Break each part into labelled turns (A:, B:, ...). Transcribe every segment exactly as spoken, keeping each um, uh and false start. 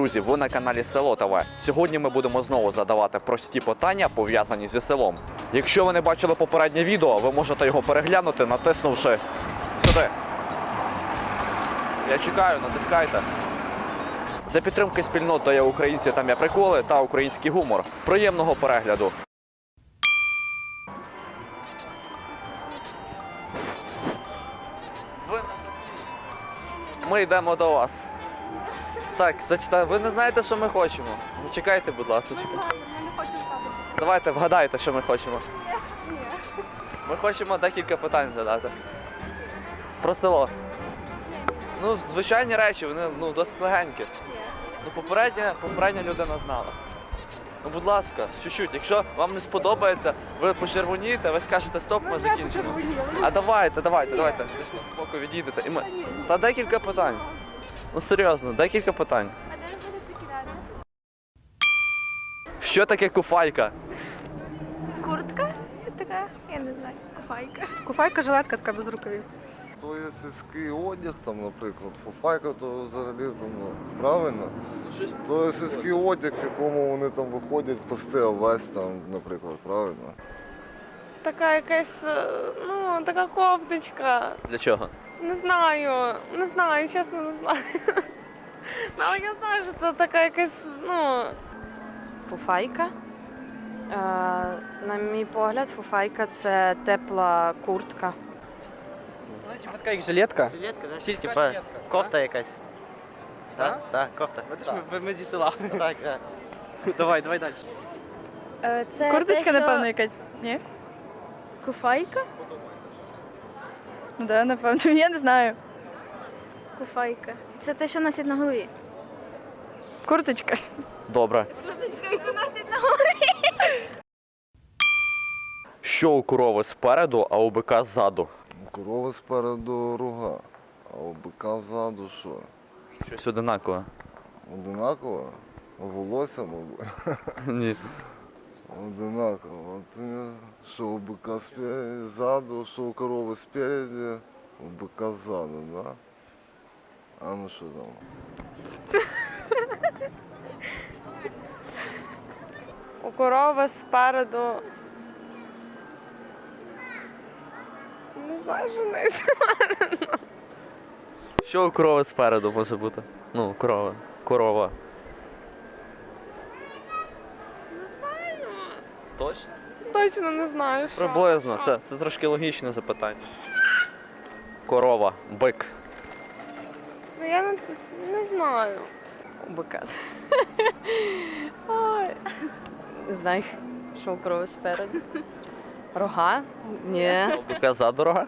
A: Друзі, ви на каналі Село ТВ. Сьогодні ми будемо знову задавати прості питання, пов'язані зі селом. Якщо ви не бачили попереднє відео, ви можете його переглянути, натиснувши сюди. Я чекаю, натискайте. За підтримки спільнот «Є українці, там є приколи» та український гумор. Приємного перегляду! Ви на самці. Ми йдемо до вас. Так, зачитай. Ви не знаєте, що ми хочемо? Не чекайте, будь ласка.
B: Я не хочу ставити.
A: Давайте вгадайте, що ми хочемо.
B: Ні.
A: Ми хочемо декілька питань задати. Про село. Ну, звичайні речі, вони ну, досить легенькі. Ну, попередня, попередня людина знала. Ну, будь ласка, чуть-чуть. Якщо вам не сподобається, ви почервонієте, ви скажете стоп, ми закінчимо. А давайте, давайте, давайте. Ви ж на спокій відійдете. І ми... Та декілька питань. Ну, серйозно, декілька питань.
B: А де ви будете кидати?
A: Що таке куфайка?
B: Куртка? Така? Я не знаю. Куфайка.
C: Куфайка, жилетка така без рукавів.
D: То є сільський одяг, там, наприклад, фуфайка, то взагалі там, ну, правильно. То є сільський одяг, в якому вони там виходять пасти овець, там, наприклад, правильно.
E: Така якась, е, ну, така кофточка.
A: Для чого?
E: Не знаю, не знаю, чесно не знаю. Ну, але я знаю, що це така якась, ну,
C: Фуфайка. Е, на мій погляд, фуфайка це тепла куртка.
F: Ну, типа така як жилетка.
G: Жилетка, да?
F: Сільська
G: Типа
F: жилетка.
G: кофта якась.
F: Да?
G: Так, так, кофта.
F: Бачиш, ми, ми зі села.
G: Так, так.
F: Давай, давай далі.
H: Е, Це
C: Курточка,
H: те, що...
C: напевно, якась. Ні?
H: Куфайка?
C: Ну да, напевно, я не знаю.
H: Куфайка. Це те, що носять на голові.
C: Курточка.
A: Добре.
H: Курточка, яку носять на голові.
A: Що у корови спереду, а у бика ззаду?
D: У корови спереду рога, а у бика ззаду що?
A: Щось одинакове.
D: Одинаково? Волосся, мабуть.
A: Ні.
D: Одинаково. От, е, що у бика спереді, ззаду, що у корови спереді, у бика ззаду, да? А ну що там?
E: у корови спереду. Не знаю, що в неї.
A: Що у корови спереду може бути? Ну, корова. Корова.
E: Не знаю.
A: Точно?
E: Точно не знаю, що.
A: Приблизно. Це, це трошки логічне запитання. Корова, бик.
E: Ну, я не, не знаю.
C: У бика. Ой. Не знаю, що у корови спереду. Рога? Ні.
A: А у бика ззаду рога?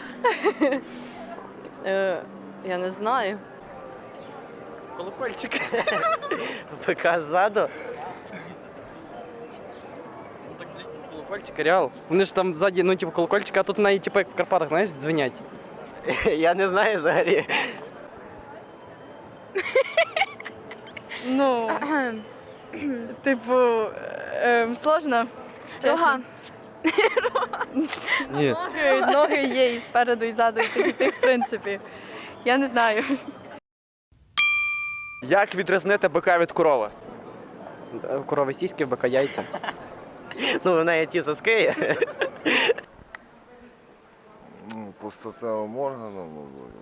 C: Е, я не знаю.
F: Колокольчик.
G: Бика ззаду.
F: Ну так, колокольчик, реал. Вони ж там ззаді, ну, типу, колокольчик, а тут навіть, типу, як в Карпатах, знаєш, дзвенять.
G: Я не знаю взагалі.
C: Ну, типу, ем, сложно.
H: Рога.
A: Ні.
C: Ноги, ноги є і спереду, і ззаду, і тих, і тих, в принципі. Я не знаю.
A: Як відрізнити бика від корови?
F: У корови сіськи, в бика яйця.
G: Ну, в неї ті соски.
D: Ну, по статевим органам, мабуть.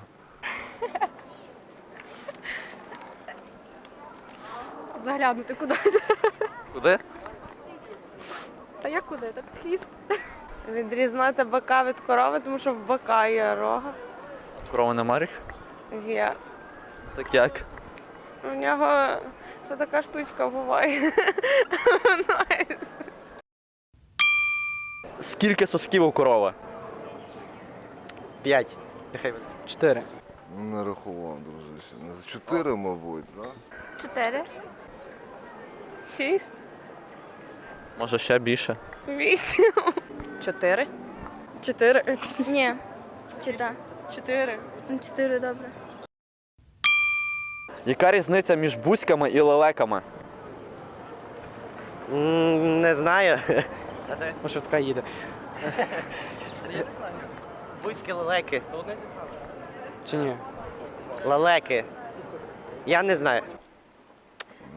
C: Заглянути куди?
A: Куди?
C: Та як куди? Так під хвіст.
E: Відрізнати бика від корови, тому що в бика є рога.
A: В корови нема ріг?
E: Є.
A: Так як?
E: У нього ще така штучка буває.
A: Скільки сосків у корови?
G: П'ять. Нехай буде.
F: Чотири.
D: Не рахував, дружище. Не за чотири, мабуть, так?
H: Чотири.
E: Шість,
A: Може ще більше?
E: вісім.
C: Чотири? Чотири.
H: Ні. Чи так?
C: Чотири.
H: Ну, чотири, добре.
A: Яка різниця між бузьками і лелеками?
G: М, Не знаю. А ти?
F: Ось швидка їде.
G: Я не знаю. Бузькі лелеки.
F: То одне те саме. Чи ні?
G: Лелеки. Я не знаю.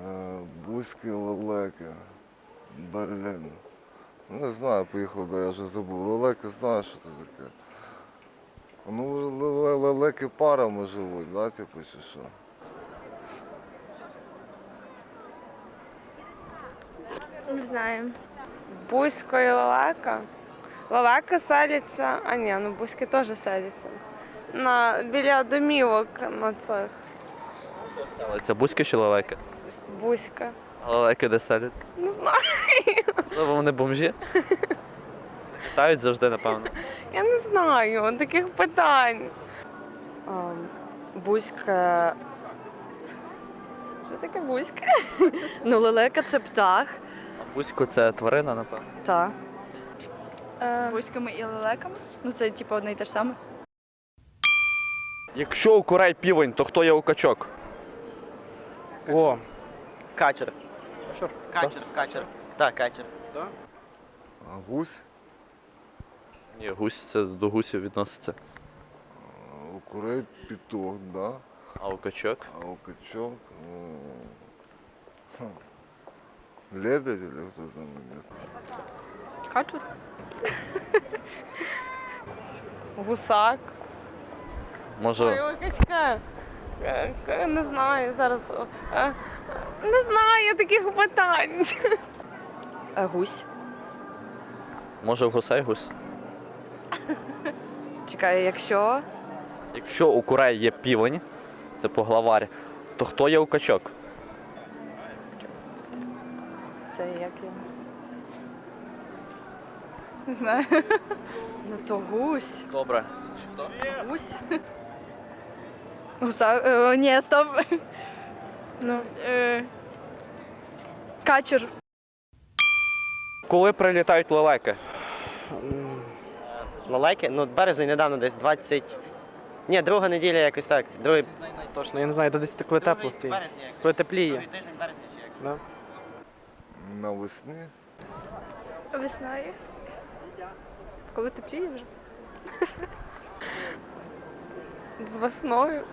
D: Е, Бузькі лелеки. Берлін. Не знаю, поїхали, де я вже забув. Лелеки, знаю, що це таке. Ну, ле- лелеки парами живуть, да, типу, чи що?
B: Не знаю.
E: Бузько і лелека. Лелека селяться, а ні, ну бузьки теж селяться. На, біля домівок на цих.
A: Це бузьки чи лелеки?
E: Бузька.
A: А лелеки де селяться?
E: Не знаю.
A: Можливо, вони бомжі? Літають завжди, напевно.
E: Я не знаю таких питань.
C: Ем, Бузька. Що таке бузька? Ну, лелека це птах.
A: А бузько це тварина, напевно.
C: Та.
B: Бузьками і лелеками? Ну це типу одне і те ж саме.
A: Якщо у курей півень, то хто є у качок?
F: О,
G: Качер.
F: що?
G: Качер, качер. Так, качер.
D: А гусь?
A: Ні, гусь це до гусів відноситься.
D: А у курей піток, да?
A: А у качок?
D: А у качок... ну, хм, лебедь или кто там, не знаю.
B: Качур?
E: Гусак.
A: Може,
E: Ой, качка. Е, к- Не знаю, зараз. о, е, Не знаю таких питань.
C: Е, Гусь.
A: може в гусей гусь?
C: Чекай, якщо.
A: Якщо у курей є півень, типу главарь, то хто є у качок?
C: Це як я.
B: Не знаю.
C: Ну то гусь.
A: Добре.
C: Гусь.
B: Гуса. Е, ні, стоп. Ну, е, качур.
A: Коли прилітають лелеки?
G: М, Лелеки? Ну, березень недавно десь двадцять... Ні, друга неділя якось так. Другий...
F: Точно, я не знаю, де десь коли тепло стоїть.
G: березня якось.
F: Коли тепліє.
G: Другий тиждень березня чи як?
F: Да?
D: Навесні?
B: Весною. Коли тепліє вже?
E: З весною.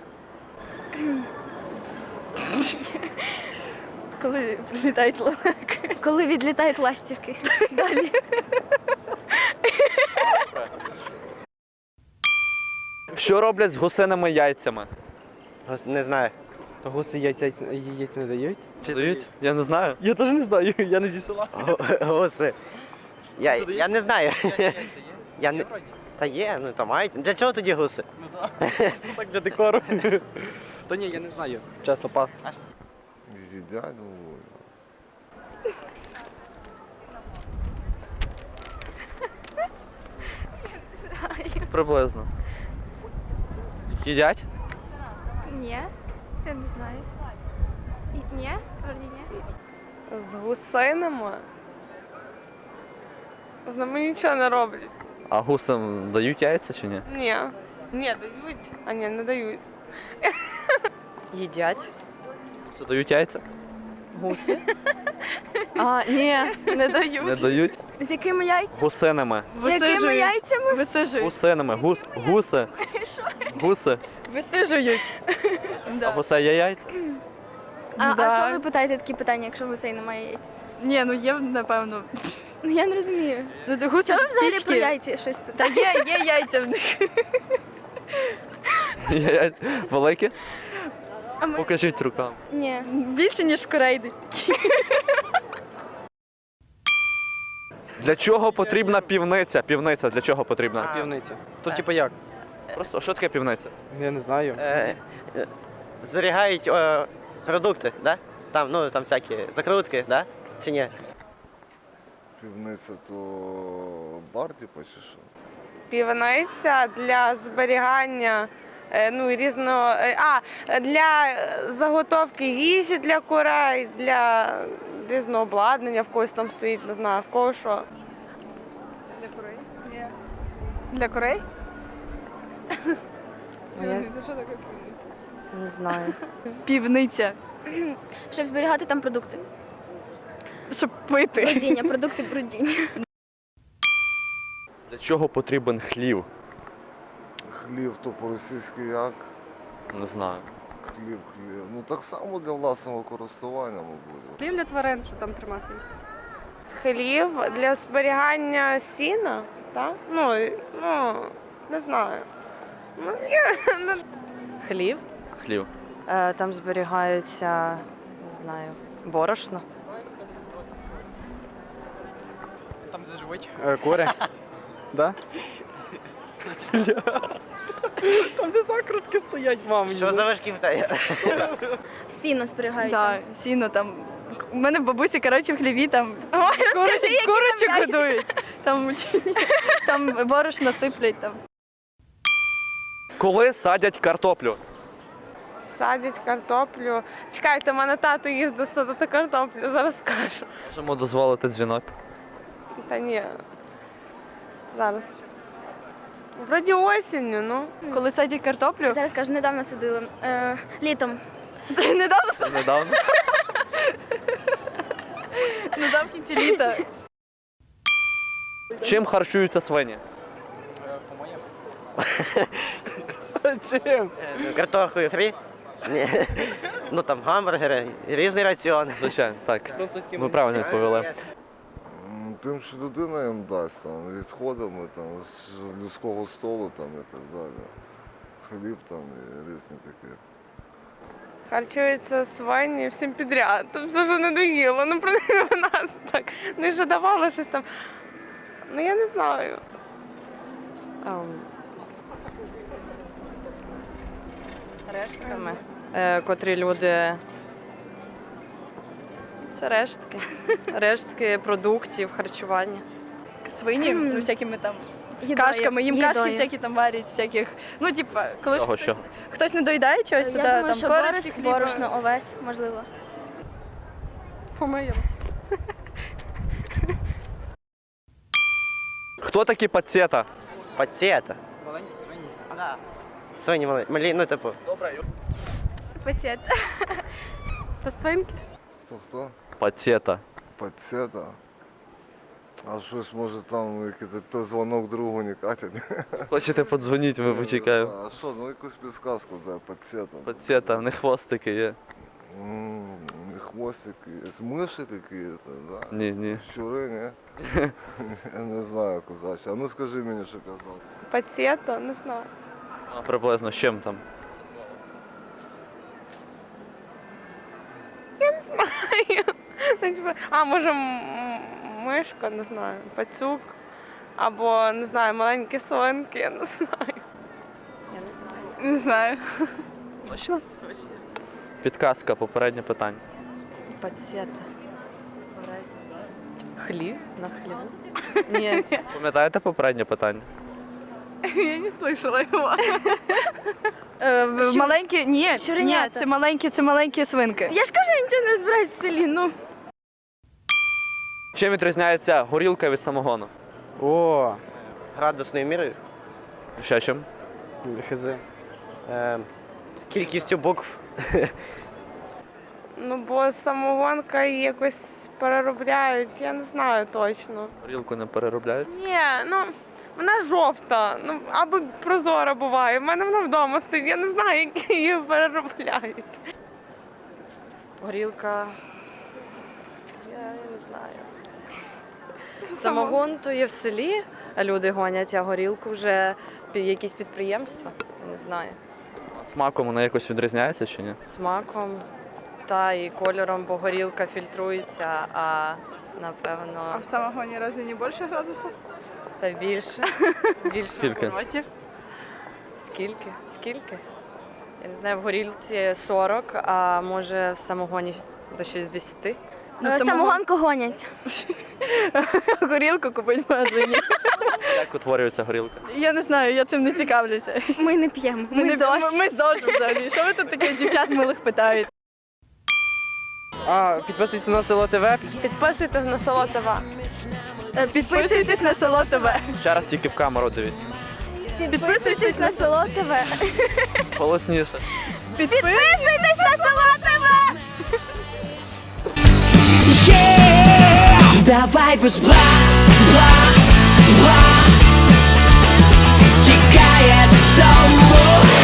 B: Коли прилітають лелеки.
H: Коли відлітають ластівки. Далі.
A: Що роблять з гусиними яйцями?
G: Гос- Не знаю.
F: То гуси яйця, яйця не дають? Чи
A: Дають? Я не знаю.
F: Я теж не знаю, я не зі села.
G: Гу- Гуси. Я,
F: Гуси
G: я
F: дають?
G: не знаю.
F: Яйця є?
G: Я не... Та є, ну то мають. Для чого тоді гуси?
F: Ну так, просто так для декору. Та ні, я не знаю. Чесно, пас.
D: Їдять, ну,
A: Приблизно. Їдять?
B: Ні. Я не знаю. І- Ні? Вроді ні.
E: З гусинами. З ними нічого не роблять.
A: А гусам дають яйця чи ні?
E: Ні. Ні, дають. А ні, не дають.
C: Їдять.
A: Гуси дають яйця?
C: Гуси. А, ні, не дають.
A: Не дають?
H: З якими яйцями?
A: Гусинами.
H: Якими яйцями?
B: Висижують.
A: Гусинами. Гус... Гуси. Гуси.
B: Висижують.
A: А гусей є яйця?
H: А,
B: Да.
H: а що ви питаєте такі питання, якщо гусей немає яйць?
B: Ні, ну є, напевно.
H: Ну я не розумію.
B: Ну ти гуси
H: Чого
B: ж
H: ви взагалі
B: птічки.
H: про яйця щось
B: Та
H: питаєте?
B: є, є яйця в них.
A: Є яйця. Великі?
H: А ми...
A: Покажіть руками.
H: Ні.
B: Більше, ніж в Кореї десь такі.
A: Для чого потрібна півниця? Півниця для чого потрібна?
F: Півниця. То типу як?
A: Просто що таке півниця?
F: Я не знаю.
G: Е, е, Зберігають е, продукти, да? Там, ну, там всякі закрутки, да? Чи ні?
D: півниця то бар, типу, чи що?
E: Півниця для зберігання е, ну, і різного. е, А, для е, заготовки їжі для курей, для різного обладнання, в когось там стоїть, не знаю, в кого що.
B: Для курей? Ні. Для курей?
C: А я
B: Це що таке півниця?
C: не знаю.
B: Півниця.
H: Щоб зберігати там продукти.
B: Щоб пити.
H: Бродіння, продукти бродіння.
A: Для чого потрібен хлів?
D: Хлів то по-російськи як?
A: Не знаю.
D: Хліб, хліб. Ну так само для власного користування, мабуть.
I: Хліб для тварин, що там тримати.
E: Хлів для зберігання сіна, так? Ну, і- ну не знаю. Ну, я, ну,
C: Хлів.
A: Хлів.
C: Е, Там зберігаються, не знаю, борошно.
F: Там, де живуть е, кури. Да? Там, де закрутки стоять, мам.
G: Що за важкі питання?
H: Сіно зберігають.
I: Так, сіно там. У мене в бабусі, коротше, в хліві там
H: Ой, розкажи,
I: курочок,
H: які
I: курочок
H: там яйця.
I: годують. Там, там борошно сиплять там.
A: Коли садять картоплю?
E: садять картоплю. Чекайте, в мене тато їздить садити картоплю, зараз скажу.
A: Можемо дозволити дзвінок.
E: Та ні. Зараз. Вроді осінню, ну.
I: Коли садять картоплю,
H: Зараз кажу, недавно садили. Е, літом.
I: недавно,
A: Це недавно.
I: недавно в кінці літа.
A: Чим харчуються свині?
F: Чим?
G: Е, ну, Картохою фрі? Ні. Ну там гамбургери, різний раціон.
A: Звичайно, так.
F: Французьким.
A: Ви правильно відповіли.
D: М, Тим, що людина їм дасть, там, відходами там, з людського столу там, і так далі. Хліб там і різні такі.
E: Харчуються свині всім підряд. То все ж не доїло. Ну, принаймні в нас так. Ну і вже давало щось там. Ну я не знаю.
C: Ем, Рештками, е, котрі люди. Це рештки. Рештки продуктів, харчування.
I: Свині,
H: М.
I: ну, всякими там
H: Їдою.
I: кашками, їм
H: Їдою.
I: кашки всякі там варять, всяких. Ну, типа, коли ж
A: Чого,
I: хтось,
A: що?
I: хтось не доїдає чогось, то
H: Я
I: да,
H: думаю,
I: там
H: що
I: корочки,
H: борос,
I: хліба.
H: борошно, овес, можливо.
I: По-моєму.
A: Хто такі пацієта?
G: Пацієта.
F: Маленькі свині.
G: Да. Свині малі, малі, ну типу.
H: Пацієнт.
I: По свинки.
D: Хто хто?
A: Пацієта.
D: Пацієта. А щось може там якийсь дзвонок другу не катять.
A: Хочете подзвоніть, ми почекаємо.
D: А що, ну якусь підсказку, да, пацієта.
A: Пацієта, в них хвостики є.
D: М, і хвостики, є. Миші якісь, да?
A: Ні, ні.
D: Щури, ні? Я не знаю, козаче. А ну скажи мені, що казав.
E: Пацієта, не знаю.
A: А приблизно з чим там?
E: Ну, типу, а, може, м- м- мишка, не знаю, пацюк. Або, не знаю, маленькі свинки, я не знаю.
C: Я не знаю.
I: Не знаю.
A: Точно?
C: Точно.
A: Підказка, попереднє питання.
C: Пацієта. Хлів на хліву? Ні,
A: Пам'ятаєте попереднє питання?
E: Я не слышала його.
I: Е, в-
H: Щур-
I: маленькі, ні, ні,
H: щуренята.
I: це маленькі, це маленькі свинки.
H: Я ж кажу, я нічого не збираюсь в селі, ну.
A: Чим відрізняється горілка від самогону?
F: О,
G: Градусною мірою.
A: Ще чим?
F: хз.
G: Е, кількістю букв.
E: Ну, бо самогонка її якось переробляють, я не знаю точно.
A: Горілку не переробляють?
E: Ні, ну, вона жовта, ну, або прозора буває. В мене вона вдома стоїть, я не знаю, як її переробляють.
C: горілка. Я не знаю. Самогон то є в селі, а люди гонять, а горілку вже пі- якісь підприємства. Я не знаю.
A: Смаком вона якось відрізняється чи ні?
C: Смаком та і кольором, бо горілка фільтрується, а
I: А
C: напевно
I: в самогоні разве не більше градусів?
C: та більше. Більше
A: Скільки?
C: оборотів. Скільки? Скільки? Я не знаю, в горілці сорок, а може в самогоні до шістдесят.
I: Ну,
H: Е,
I: самогон-
H: Самогонку гонять.
I: Горілку купить в магазині.
A: Як утворюється горілка?
I: Я не знаю, я цим не цікавлюся.
H: Ми не п'ємо. Ми,
I: не-
H: ЗОЖ.
I: ми, ми ЗОЖ взагалі. Що ви тут таких дівчат милих питають?
F: А, підписуйтесь на село ТВ.
E: Підписуйтесь на село ТВ.
I: Е, Підписуйтесь на село ТВ.
A: Ще раз тільки в камеру дивіться.
I: Підписуйтесь на село ТВ.
A: Голосніше.
H: Підписуйтесь на село ТВ!
J: Давай без бла, бла, бла. Тікає з дому.